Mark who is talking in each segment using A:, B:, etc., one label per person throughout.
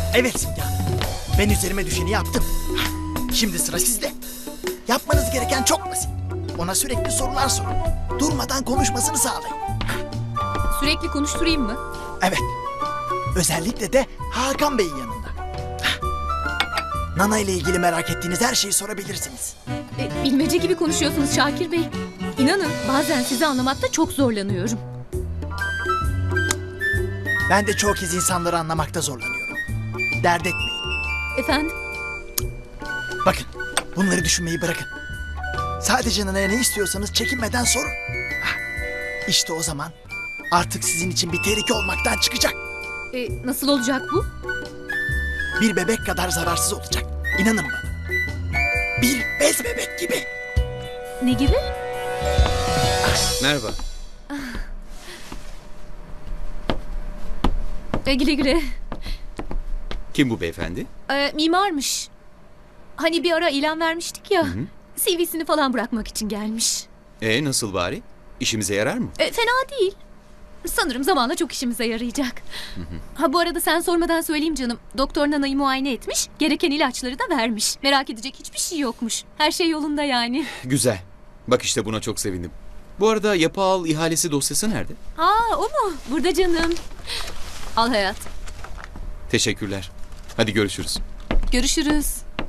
A: Evet Simge Hanım. Ben üzerime düşeni yaptım. Şimdi sıra sizde. Yapmanız gereken çok basit. Ona sürekli sorular sorun. Durmadan konuşmasını sağlayın.
B: Sürekli konuşturayım mı?
A: Evet. Özellikle de Hakan Bey'in yanında. Nana ile ilgili merak ettiğiniz her şeyi sorabilirsiniz.
B: Bilmece gibi konuşuyorsunuz Şakir Bey. İnanın bazen sizi anlamakta çok zorlanıyorum.
A: Ben de çoğu kez insanları anlamakta zorlanıyorum. Dert etmeyin.
B: Efendim?
A: Bakın, bunları düşünmeyi bırakın. Sadece Nana'ya ne istiyorsanız çekinmeden sorun. İşte o zaman artık sizin için bir tehlike olmaktan çıkacak.
B: Nasıl olacak bu?
A: Bir bebek kadar zararsız olacak. İnanın bana. Bir bez bebek gibi.
B: Ne gibi?
C: Merhaba.
B: Güle güle.
C: Kim bu beyefendi?
B: Mimarmış. Hani bir ara ilan vermiştik ya. CV'sini falan bırakmak için gelmiş.
C: Nasıl bari? İşimize yarar mı?
B: Fena değil. Sanırım zamanla çok işimize yarayacak. Ha bu arada sen sormadan söyleyeyim canım. Doktor Nana'yı muayene etmiş. Gereken ilaçları da vermiş. Merak edecek hiçbir şey yokmuş. Her şey yolunda yani.
C: Güzel. Bak işte buna çok sevindim. Bu arada yapı al ihalesi dosyası nerede?
B: O mu? Burada canım. Al hayat.
C: Teşekkürler. Hadi görüşürüz.
B: Görüşürüz.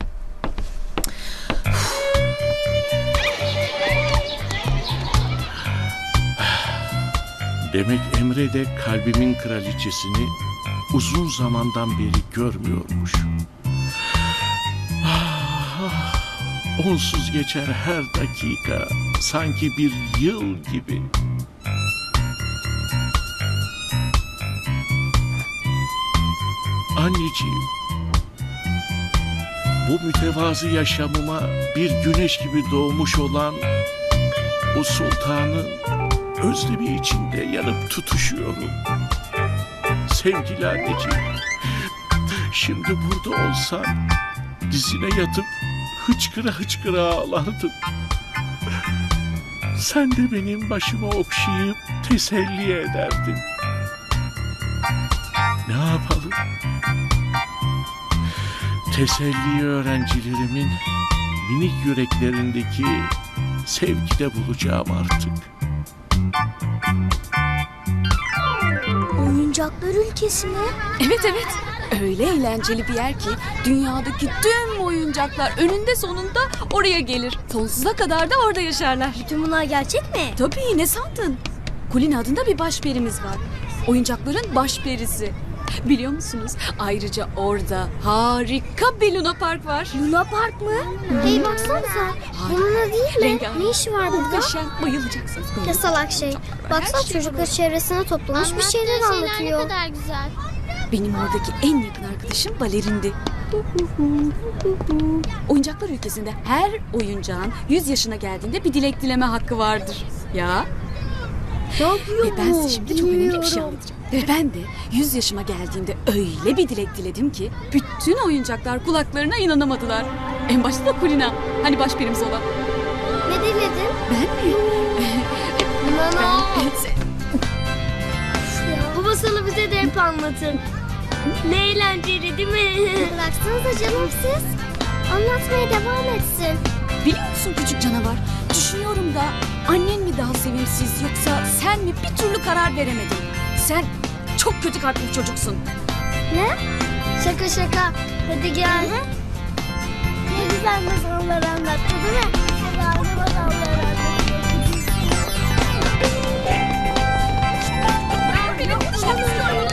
D: Demek Emre de kalbimin kraliçesini uzun zamandan beri görmüyormuş. Onsuz geçer her dakika, sanki bir yıl gibi. Anneciğim, bu mütevazı yaşamıma bir güneş gibi doğmuş olan bu sultanın özlemi içinde yanıp tutuşuyorum. Sevgili anneciğim, şimdi burada olsan dizine yatıp hıçkıra hıçkıra ağlardım. Sen de benim başımı okşayıp teselli ederdin. Ne yapalım? Teselli öğrencilerimin minik yüreklerindeki sevgide bulacağım artık.
E: Oyuncaklar ülkesi mi?
F: Evet. Öyle eğlenceli bir yer ki dünyadaki tüm oyuncaklar önünde sonunda oraya gelir. Sonsuza kadar da orada yaşarlar.
E: Bütün bunlar gerçek mi?
F: Tabii, ne sandın? Kulina adında bir başperimiz var. Oyuncakların başperisi. Biliyor musunuz? Ayrıca orada harika bir Luna Park var.
E: Luna Park mı? Hey baksanıza. Bununla değil mi?
F: Rengarenk.
E: Ne işi var burada?
F: Muhteşem, bayılacaksınız.
E: Ne salak şey. Baksana çocuklar çevresine toplamış bir şeyler anlatıyor.
G: Ne kadar güzel.
F: Benim oradaki en yakın arkadaşım balerindi. Oyuncaklar ülkesinde her oyuncağın 100 yaşına geldiğinde bir dilek dileme hakkı vardır. Ya.
E: Ne yapıyor
F: Ve ben
E: bu?
F: size şimdi çok önemli bir şey
E: Bilmiyorum.
F: anlatacağım. Ve ben de 100 yaşıma geldiğimde öyle bir dilek diledim ki bütün oyuncaklar kulaklarına inanamadılar. En başta da Kulina. Hani başperimiz olan.
E: Ne diledin?
F: Ben mi?
E: Nana.
F: Ben...
G: Bu masalı bize de hep anlatın. Ne eğlenceli değil mi?
E: Bıraksanıza canım siz. Anlatmaya devam etsin.
F: Biliyor musun küçük canavar? Düşünüyorum da annen mi daha sevimsiz yoksa sen mi, bir türlü karar veremedin. Sen çok kötü kalpli bir çocuksun.
E: Ne?
G: Şaka. Hadi gel.
E: Ne güzel masallar anlattı